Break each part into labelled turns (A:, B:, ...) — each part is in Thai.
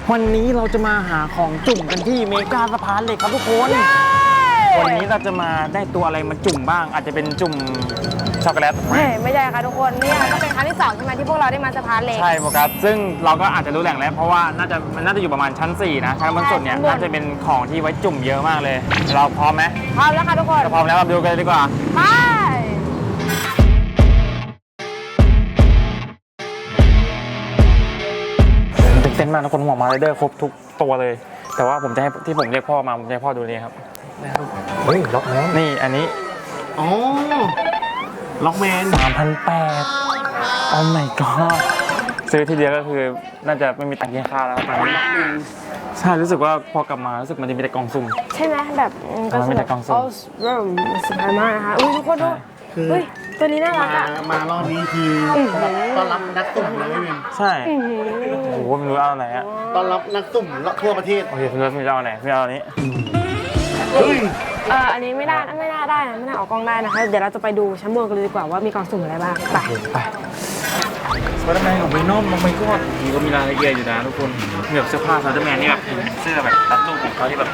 A: วันนี้เราจะมาหาของจุ่มกันที่เมกาสะพานเหล็กครับทุกคน วันนี้เราจะมาได้ตัวอะไรมาจุ่มบ้าง อาจจะเป็นจุ่มช็อกโกแลต
B: ไม่ใช่ค่ะทุกคนนี่ก็เป็นครั้งที่2ใช่ไหมที่พวกเราได้มาสะพานเหล็ก
A: ใช่โฟกัสซึ่งเราก็อาจจะรู้แหล่งแล้วเพราะว่ามันน่าจะอยู่ประมาณชั้น4นะชั้นบนสุดเนี่ยน่าจะเป็นของที่ไว้จุ่มเยอะมากเลยเราพร้อมไหม
B: พร้อมแล้วค่ะทุกคน
A: ถ้าพร้อมแล้วมาดูกันเลยดีกว่า
B: ไป
A: ตื่นเต้นมากทุกคนหัวมาไรเดอร์ครบทุกตัวเลย แต่ว่าผมจะให้ที่ผมเรียกพ่อมาผมจะให้พ่อดูนี่ครับ
C: เฮ้ยล็อกแมน
A: นี่อันนี้
C: อ๋อล็อกแมน
A: 3,800 โอ้ my god ซื้อทีเดียวก็คือน่าจะไม่มีตังค์กินข้าวแล้วตอนนี้ใช่รู้สึกว่าพอกลับมารู้สึกมันจะมีแต่กล่องสุ่ม
B: ใช่ไหมแบบก็
A: ไม่แต่กล่องสุ่ม
B: เริ่มสบายมากนะคะอุ้ยทุกคนดูเฮ้ยตัวนี้น่ารักอ่ะ
C: มารอบนี้คือต้อนรับนักตุ่มเลยพี่เมน
A: ใช่โอ้โหไม่รู้เอาไหนอะ
C: ต้อนรับนักตุ่มทั่วประเทศ
A: โอเคพี่รู้พี่จะเอาไหนพี่เอาอันนี้
C: เฮ้ย
B: อันนี้ไม่น่าได้นะไม่น่าออกกล้องได้นะคะเดี๋ยวเราจะไปดูชั้นบนกันเลยดีกว่าว่ามีกล่องสุ่มอะไรบ้างไป
A: ไปสไปเดอร์แมนของเวนอมลงไปก็มีก็มีรายละเอียดอยู่นะทุกคนแบบเสื้อผ้าสไปเดอร์แมนนี่แบบเสื้อแบบตัดรูปของเขาที่แบบ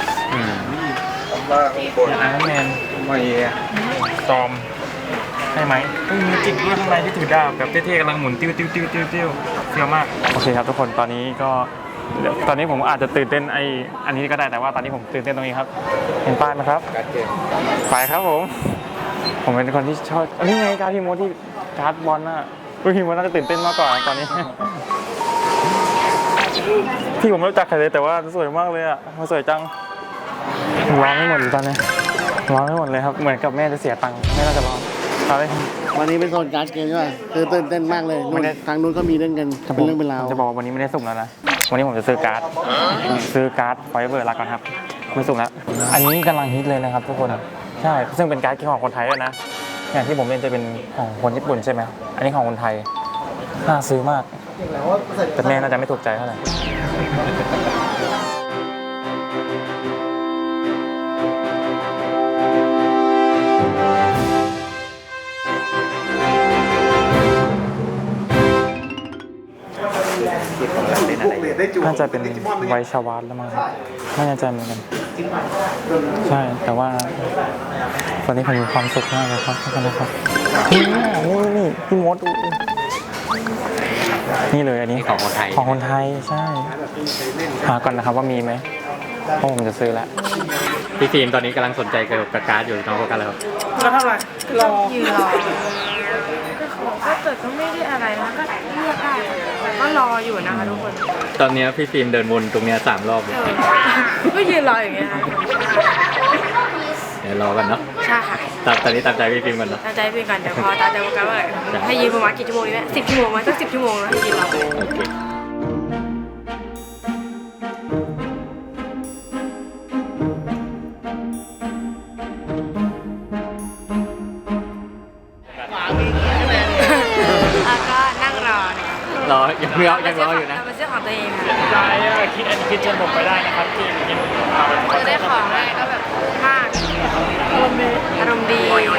A: ไอรอนแมนมาเอตอมใช่ไหมมีจิกด้วยข้างในที่ถือดาบแบบเท่ๆกำลังหมุนติ้วเฟี้ยวมากโอเคครับทุกคนตอนนี้ผมอาจจะตื่นเต้นอันนี้ก็ได้แต่ว่าตอนนี้ผมตื่นเต้นตรงนี้ครับเห็นป้ายไหมครับไปครับผมเป็นคนที่ชอบอันนี้ไงการพิมพ์ที่การ์ดบอลน่ะพิมพ์น่าจะตื่นเต้นมากกว่าตอนนี้ที่ผมไม่รู้จักใครเลยแต่ว่าสวยมากเลยอ่ะมันสวยจังร้องไม่หมดเลยตอนนี้ร้องไม่หมดเลยครับเหมือนกับแม่จะเสียตังค์แม่น่าจะร้องเอาเลย
C: วันนี้เป็นโซนการ์ดเกมใช่ไหมคือตื่นเต้นมากเลยนู่นทางนู้นก็มีเล่นกันเป็นเรื่องเป็นราว
A: จะบอกว่าวันนี้ไม่ได้สุ่มแล้วนะวันนี้ผมจะซื้อการ์ดไฟเบอร์ละก่อนครับไม่สุ่มแล้วอันนี้กำลังฮิตเลยนะครับทุกคนใช่ซึ่งเป็นการ์ดของคนไทยด้วยนะอย่างที่ผมเล่นจะเป็นของคนญี่ปุ่นใช่ไหมอันนี้ของคนไทยน่าซื้อมากแต่แม่น่าจะไม่ถูกใจเท่าไหร่น่าจะเป็นไวชาวาร์แล้วมั้งครับไม่แน่ใจเหมือนกันใช่แต่ว่าตอนนี้ผมมีความสุขมากเลยครับทุกคนนะครับนี่พี่มดนี่เลยอันนี้ของคนไทยใช่หาก่อนนะครับว่ามีไหมเพราะผมจะซื้อแล้วพี่ฟิล์มตอนนี้กำลังสนใจเกี่ยวกับการ์ดอยู่น้องโฟกัสแล้วครับแล้วเท่าไหร่
B: ยืนรอก็เกิดก็ไม่ได้อะไรนะก็เลือกได้ก็รออยู่นะคะทุกคน
A: ตอนนี้พี่ฟิล์มเดินวนตรงนี้3 รอบเลย
B: ก็ยืนรออย่างเงี้ย
A: เดี๋ยวรอกันเนาะ
B: ใช่ค่ะ
A: ตอนนี้ตามใจพี่ฟิล์มกันเนาะ
B: ตามใจพี่กันเดี๋ยวพอตามใจโฟกัสว่าให้ยืนประมาณกี่ชั่วโมงดีไหม10 ชั่วโมงไหมสัก10 ชั่วโมงแล้วให้ยืนรอ
A: โอเค
B: ก็นั่งรอ
A: ยังรออยู่นะ
B: เราเป็นเสื้อของตัวเองค่ะ
A: ใช่คิดเชิญผมไปได้นะครับที่กิน
B: จะได้ของอะไรก็แบบมากอารมณ์ดี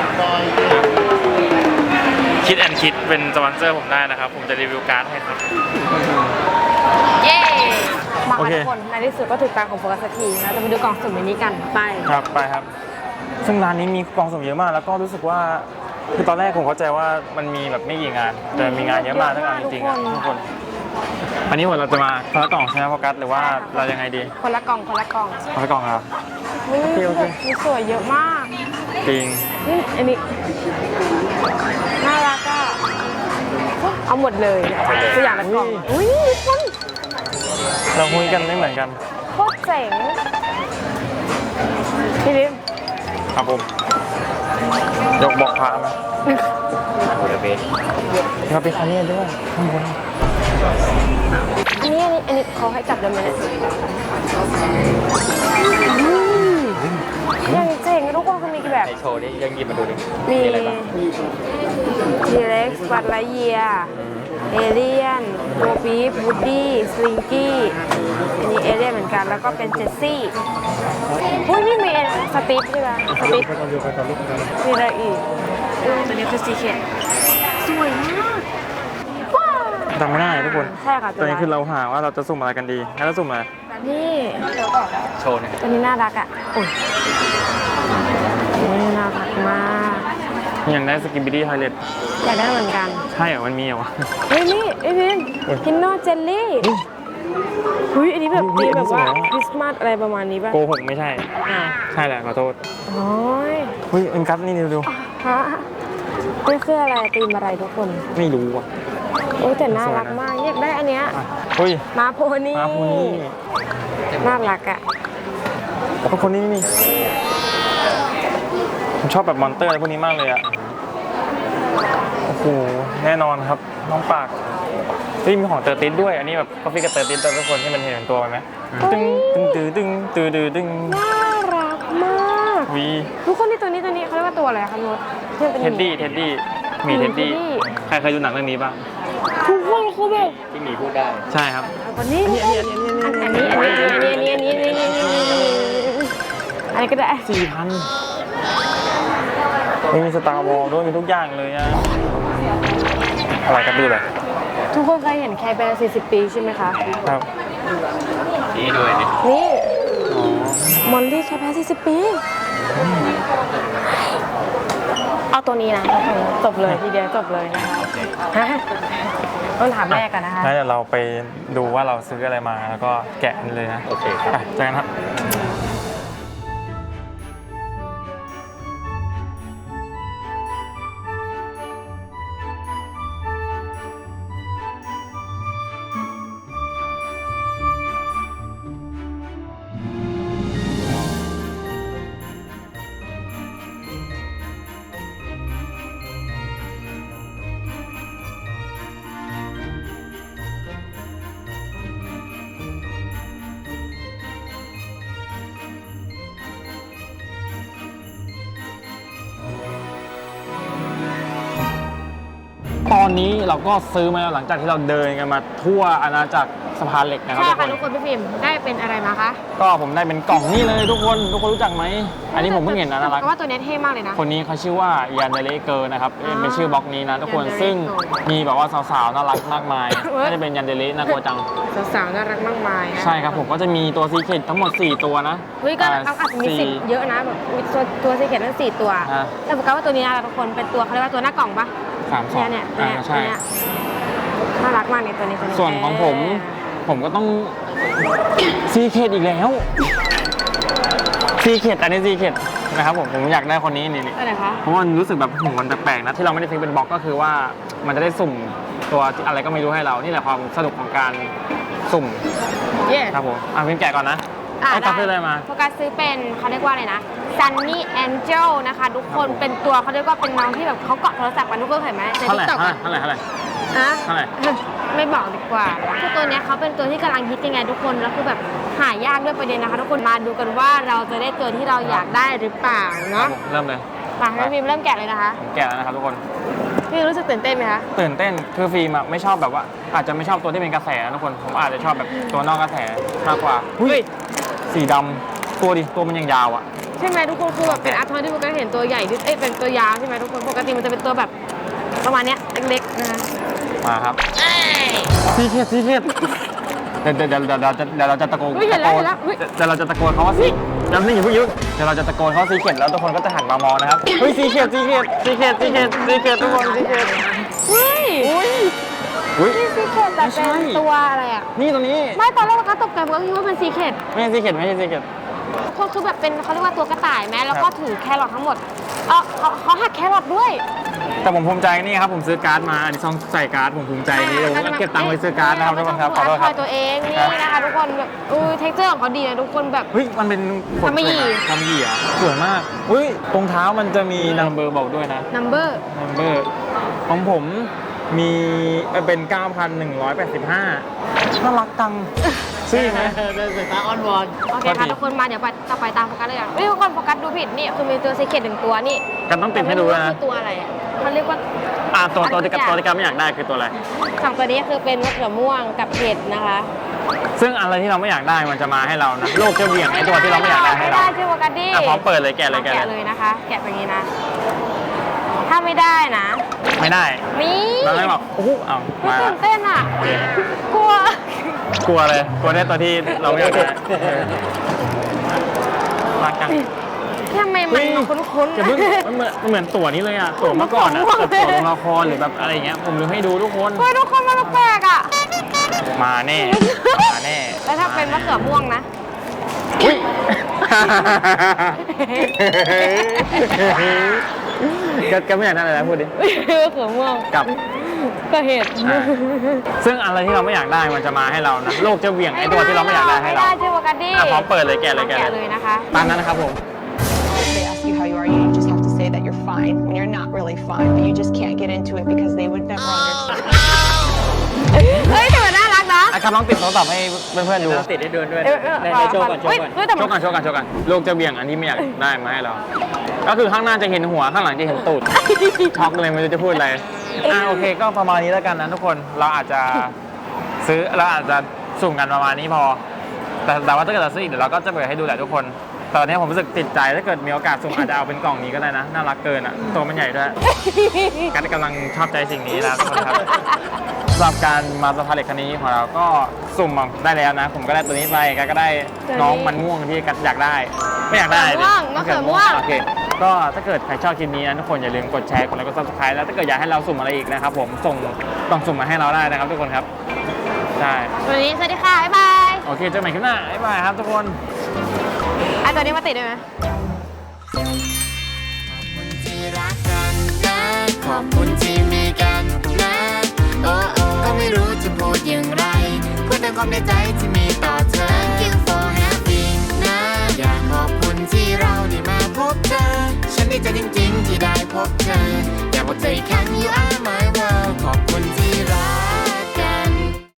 A: คิดเป็นสปอนเซอร์ผมได้นะครับผมจะรีวิวการ์ดให้ครับ
B: เย้มาทุกคนในที่สุดก็ถึงตาของโฟกัสสักทีนะจะไปดูกล่องสุ่มนี้กันไป
A: ครับซึ่งร้านนี้มีกล่องสุ่มเยอะมากแล้วก็รู้สึกว่าคือตอนแรกผมเข้าใจว่ามันมีแบบไม่กี่งานแต่มีงานเยอะมากทั้งงานจริงๆทุกคนอันนี้เราจะมาคนละกล่องใช่ไหมโฟกัสหรือว่าเรายังไงดี
B: คนละกล่อง
A: คนละกล่องครับ
B: มีสวยเยอะมาก
A: จริง
B: อันนี้น่ารักอ่ะเอาหมดเลยตัวอย่างละกล่องอุ้ยคน
A: เราคุยกันไม่เหมือนกัน
B: โคตรเจ๋งพี่ลิม
A: ครับผมยกบอกพาไหมเราไปคันนี้ด้วยข้างบน
B: อันนี้เขาให้จับได้ไหมเนี่ยยังเจ๋งทุกคนเขามีแบบ
A: โชว์นี่ยังหยิบมาดูดิ
B: มีทีเล็กซ์บัตไลเยียเอเลียนโบปีฟวูดดี้สลิงกี้อันนี้เอเลียนเหมือนกันแล้วก็เป็นเจสซี่อุ้ยนี่มีสติ๊กใช่ไหมสติ๊กมีอะไรอีกตัวนี้คือซีเคทสวยมากว้าว
A: จำไม่ได้ทุกคน
B: ใช่ค่ะ
A: ตอนนี้คือเราหาว่าเราจะสุ่มอะไรกันดีแล้วเราสุ่มอะไร
B: นี่
A: โชว์เนี่ย
B: ตัวนี้น่ารักอ่ะโอ้ยนี่น่ารักมาก
A: อย่างได้สกินบิดี้ไทเลต
B: อยากได้เหมือนกัน
A: ใช่เหรอมันมีเหรอวะ
B: เฮ้ยนี่ไอ้พิม
A: เฮ้ย
B: ฮินโนเจลลี่เฮ้ยอันนี้แบบ
A: เฮ้
B: ตี
A: ย
B: แบบว่า
A: อันนี้สวยอะ
B: คริสต์มาสอะไรประมาณนี้ป่ะ
A: โกหกไม่ใช่
B: อ่า
A: ใช่แหละขอโทษ
B: โอ้ย
A: เฮ้ยเอ็นกัสนี่ดู
B: ฮะนี่คืออะไรตีมอะไรทุกคน
A: ไม่รู้อ่ะ
B: โอ้ยแต่น่ารักมากอยากได้อันเนี้ย
A: อ่ะเฮ้ย
B: มาโพนี่
A: มาพูนี่
B: น่ารักอ่ะ
A: แล้วก็คนนี้นี่ผมชอบแบบมอนเตอร์อะไรพวกนี้มากเลยอ่ะโอ้โหแน่นอนครับน้องปากเฮ้ยมีของเตอร์ติสด้วยอันนี้แบบกาแฟกับเตอร์ติสทุกคนที่มันเห็นตัวไหมตึ้งตึ้งตึ้งตึ้งตึ้งตึ้ง
B: น่ารักมาก
A: วี
B: ทุกคนที่ตัวนี้เขาเรียกว่าตัวอะไรคะนุชที่มันเป็น
A: เท็ดดี้หมีเท็ดดี้
B: เท็ดดี้
A: ใครเคยดูหนังเรื่องนี้บ้าง
B: ทุกคนคือแบบ
A: ที่หมีพูดได้ใช่ครับ
B: วันนี้อันนี้อะไรก็ได้
A: 4,000มีสตาร์วอลด้วยมีทุกอย่างเลยอะอะไรกันดูเลย
B: ทุกคนเคยเห็นแคร์แบร์40 ปีใช่ไหมคะ
A: ครับนี่ด้วยนี่
B: นี่มอลลี่แคร์แบร์40 ปี เอาตัวนี้นะจบเลยทีเดียวจบเลยนะคะต้องถามแม่ก่อนนะคะ
A: งั้นเดี๋ยวเราไปดูว่าเราซื้ออะไรมาแล้วก็แกะกันเลยนะโอเคไปเจอกันครับตอนนี้เราก็ซื้อมาแล้วหลังจากที่เราเดินกันมาทั่วอาณาจักรสะพานเหล็กนะครับ
B: ใช่
A: ทุกค
B: ค่ะ
A: น
B: ทุกคนพี่พิมพ์ได้เป็นอะไรมาคะ
A: ก็ผมได้เป็นกล่องนี่เลยทุกคนรู้จักไหมอันนี้ผมเพิ่งเห็นนะน่ารัก
B: เพราะว่าตัวนี้เท่มากเลยนะ
A: คนนี้เขาชื่อว่ายันเดเลเกอร์นะครับ
B: อ่า
A: เป็นชื่อบล็อกนี้นะทุกคน
B: Yandere
A: ซึ่ง
B: Girl
A: มีแบบว่าสาวๆน่ารักมากมาย
B: เว้ย
A: น่าจะเป็นยันเดเลน่ากลัวจัง
B: สาวๆน่ารักมากมายนะ
A: ใช่ครับผมก็จะมีตัวซีเคททั้งหมด 4 ตัวนะ
B: เฮ้ยก็อาจจะมีสิ่งเยอะนะแบบมีตัวซีเค็ดทั้ง4 ตัว
A: อ่า
B: แต่ผมกะว่าตัวนี้นะทุกคนเป็นตัวเขาเรียกว่าตัวหน้ากล่องปะ
A: 3 2
B: เนี่ย
A: ใช่
B: น่ารักมากเนี่ยตัวนี้
A: ส่วนของผมก็ต้องซีเคทอีกแล้วซีเคทอันนี้ซีเคทนะครับผมอยากได้คนนี้นี่
B: ตัวไหนคะ
A: เพราะว่ามันรู้สึกแบบหูมันแปลกๆนะที่เราไม่ได้ซื้อเป็นบล็อกก็คือว่ามันจะได้สุ่มตัวอะไรก็ไม่รู้ให้เรานี่แหละความสนุกของการสุ่ม
B: เย้
A: ครับผมพิมพ์แกะก่อนนะไอ้กัฟซื้ออะไรมา
B: โฟกัสซื้อเป็นเขาเรียกว่าอะไรนะ Sunny Angel นะคะทุกคนเป็นตัวเขาเรียกว่าเป็นน้องที่แบบเขาเกาะโทรศัพท์กันทุกคนเห็นไหมใน
A: เท่าไหร่
B: TikTok อะ
A: เท่าไหร่
B: อะ
A: เท่าไหร่
B: ไม่บอกดีกว่าคือตัวเนี้ยเขาเป็นตัวที่กำลังฮิตยังไงทุกคนแล้วคือแบบหายากด้วยประเด็นนะคะทุกคนมาดูกันว่าเราจะได้ตัวที่เราอยากได้หรือเปล่าเนาะ
A: เริ่มเลย
B: มาให้พิมเริ่มแกะเลยนะคะ
A: ผมแกะแล้วนะครับทุกคน
B: พี่รู้สึกตื่นเต้นไหมคะ
A: ตื่นเต้นคือฟิล์มอะไม่ชอบแบบว่าอาจจะไม่ชอบตัวที่เป็นกระแสนะทุกคนผมอาจจะชอบแบบตัวนอกกระแสมากกว่าสีดำตัวมันยังยาวอะ
B: ใช่ไหมทุกคนคือแบบเป็นอาร์ทอยที่โฟกัสเห็นตัวใหญ่ที่เป็นตัวยาวใช่ไหมทุกคนปกติมันจะเป็นตัวแบบประมาณเนี้ยเล็กๆนะคะ
A: มาครับซีเคทเดี๋ยวเราจะตะโกน
B: เห็นแล้วเฮ้ย
A: เดี๋ยวเราจะตะโกนเขาว่าซีเดี๋ยวนี่อย่าเพิ่งยุ่งเดี๋ยวเราจะตะโกนเขาซีเคทแล้วทุกคนก็จะหันมามองนะครับเฮ้ยซีเคททุกคนซีเคท
B: เฮ้ย
A: อุ้ย
B: นี่ซีเคทแต่
A: ไม่ใช่
B: เป็นตัวอะไรอ่ะ
A: นี่ตัวนี้
B: ไม่ตอนแรกเราตกใจเพราะคิดว่าเป็นซีเคท
A: ไม่ใช่ซีเคทไม่ใช่ซีเคท
B: คือแบบเป็นเขาเรียกว่าตัวกระต่ายไหมแล้วก็ถือแครอททั้งหมดเขาหักแครอทด้วย
A: แต่ผมภูมิใจนี่ครับผมซื้อการ์ดมาอันนี้ซองใส่การ์ดผมภูมิใจนี่ผมเก็บตังค์ไว้ซื้อการ์ดนะครับทุกคนครับขอโทษครับ
B: ตัวเองนี่นะคะทุกคนแบบเท็กเจอร์ของเขาดีนะทุกคนแบบ
A: เฮ้ยมันเป็นขน
B: ทำไมหยี่
A: ทำหยี่เหรอสวยมากอุ้ยตรงเท้ามันจะมีนัมเบอร์บอกด้วยนะ
B: number
A: นัมเบอร์ของผมมีเป็น 9,185 น่ารักจังซื้อไหม
C: เป็นสายตาอ้อนวอน
B: โอเคค่ะทุกคนมาเดี๋ยวต่อไปตามโฟกัสเลยอ่ะทุกคนโฟกัสดูผิดนี่คือมีตัวซีเคท1 ตัวนี่
A: กันต้องติดให้ดูด้วยนะ
B: คือตัวอะไรอ่ะเขาเรียกว่า
A: ตัวที่กับไม่อยากได้คือตัวอะไร
B: สองตัวนี้คือเป็นมะเขือม่วงกับเห็ดนะคะ
A: ซึ่งอะไรที่เราไม่อยากได้มันจะมาให้เรานะโลกจะเหวี่ยงไอ้ตัวที่เราไม่อยากได้ให้
B: ไม่
A: เรา
B: ได้ชื่อโฟกัสดิ
A: พร้อมเปิดเลยแกะเลย
B: แกะเลยนะคะ แกะแบบนี้นะ ถ้าไม่ได้นะ
A: ไม่ได้
B: มี
A: เราไม่บอกโอ้โหเอามา
B: ตื่นเต้นอ่ะ
A: โอเค
B: กลัว
A: กลัวเลยกลัวได้ตัวที่เราไม่อยากได้รักจัง
B: ทำไมมันคุ้น
A: อย่าเพิ่งมันเหมือนตั๋วนี้เลยอ่ะตั๋วเมื่อก่อนอ่ะแบบตั๋วลงละครหรือแบบอะไรเงี้ยผมลืมให้ดูทุกคน
B: ๆเฮ้ยทุกคนมันแปลกอ่ะ
A: มาแน่มาแน่
B: แล้วถ้าเป็นมะเขือม่วงนะ
A: อุ้ยก็ไม่อยากได้อะไรนะพูดดิ
B: มะเขือม่วง
A: กับ
B: ก็เห็ด
A: ซึ่งอะไรที่เราไม่อยากได้มันจะมาให้เรานะโลกจะเหวี่ยงไอ้ตัวที่เราไม่อยากได้ให้
B: ไม่
A: เรา
B: ได้ชื่อวากันดี้
A: พร้อมเปิดเลยแกะเลย
B: แกะเลยนะคะ
A: ตามนั้นนะครับผม
D: If they ask you how you are, you just have to say that you're fine when you're not really fine, but you just can't get into it because they would never understand.
B: เฮ้ยแต่มันน่ารักนะ
A: ครับลองติดโทรศัพท์ให้เพื่อนๆดู
E: ติดได้เดินด้วย
B: ในโชว์ก่อนแต่
A: โชว์กันโชว์กันโชว์กันโลกจะเบี่ยงอันที่ไม่อยากได้มาให้เรา ก็คือข้างหน้าจะเห็นหัวข้างหลังจะเห็นตูดช็อกเลยไม่รู้จะพูดอะไรโอเคก็ประมาณนี้แล้วกันนะทุกคนเราอาจจะซื้อเราอาจจะสุ่มกันประมาณนี้พอ แต่ว่าถ้าเกิดเราซื้ออีกเดี๋ยวเราก็จะเปิดให้ดูแหละทุกคนตอนนี้ผมรู้สึกติดใจถ้าเกิดมีโอกาสสุ่มอาจจะเอาเป็นกล่องนี้ก็ได้นะน่ารักเกินอ่ะตัวมันใหญ่ด้วยกันกำลังชอบใจสิ่งนี้นะทุกคนครับสำหรับการมาสะพานเหล็กคันนี้ของเราก็สุ่มมาได้แล้วนะ ผมก็ได้ตัวนี้ไปกันก็ได้น้องมันม่วงที่กันอยากได้ไม่อยากได้ดิ
B: มะเขือม่วง
A: โอเคก็ถ้าเกิดใครชอบคลิปนี้นะทุกคนอย่าลืมกดแชร์กดไลค์กด Subscribe แล้วถ้าเกิดอยากให้เราสุ่มอะไรอีกนะครับผมส่งกล่องสุ่มมาให้เราได้นะครับทุกคนครับใช่
B: วันนี้สวัสดีค่ะ บ๊ายบาย
A: โอเคเจอกันใหม่คลิปหน้าบ๊ายบายครับทุกคน
B: อ่ะตัวนี้มาติดได้ไหม
F: ที่รักกันนะ ขอบคุณที่มีกันนะ โอ้โอ้ก็ไม่รู้จะพูดอย่างไรพูดแต่ความในใจที่มีต่อเธอ Thank you for having นะ อยากขอบคุณที่เราได้มาพบเธอ ฉันดีใจจริงๆที่ได้พบเธอ อยากบอกเธออีกครั้ง you are my